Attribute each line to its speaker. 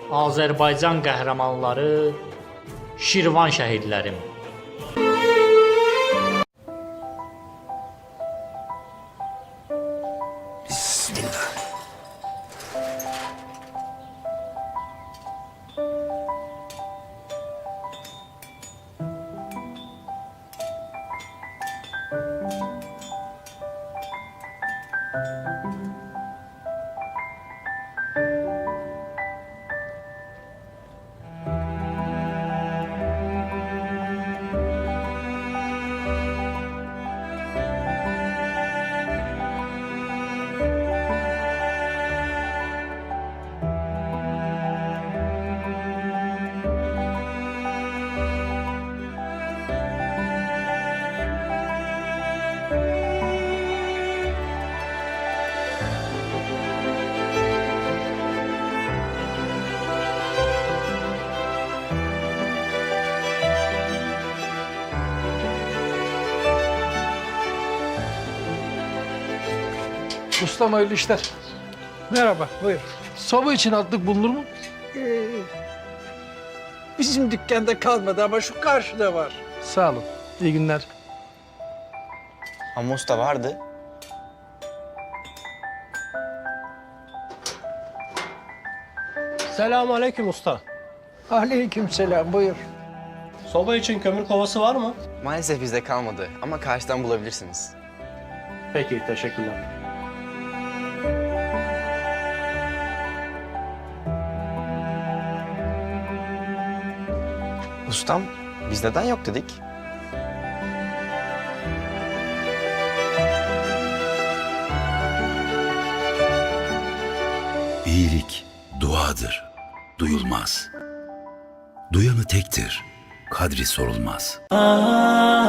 Speaker 1: Azərbaycan qəhrəmanları, Şirvan şəhidlərim.
Speaker 2: Bismillah.
Speaker 3: Ustam hayırlı işler.
Speaker 4: Merhaba, buyur.
Speaker 3: Soba için altlık bulunur mu?
Speaker 4: Bizim dükkanda kalmadı ama şu karşıda var.
Speaker 3: Sağ olun. İyi günler.
Speaker 5: Ama usta vardı.
Speaker 6: Selamünaleyküm usta.
Speaker 4: Aleykümselam, buyur.
Speaker 6: Soba için kömür kovası var mı?
Speaker 5: Maalesef bizde kalmadı ama karşıdan bulabilirsiniz.
Speaker 6: Peki, teşekkürler.
Speaker 5: Ustam, biz neden yok dedik?
Speaker 2: İyilik duadır, duyulmaz. Duyanı tektir, kadri sorulmaz.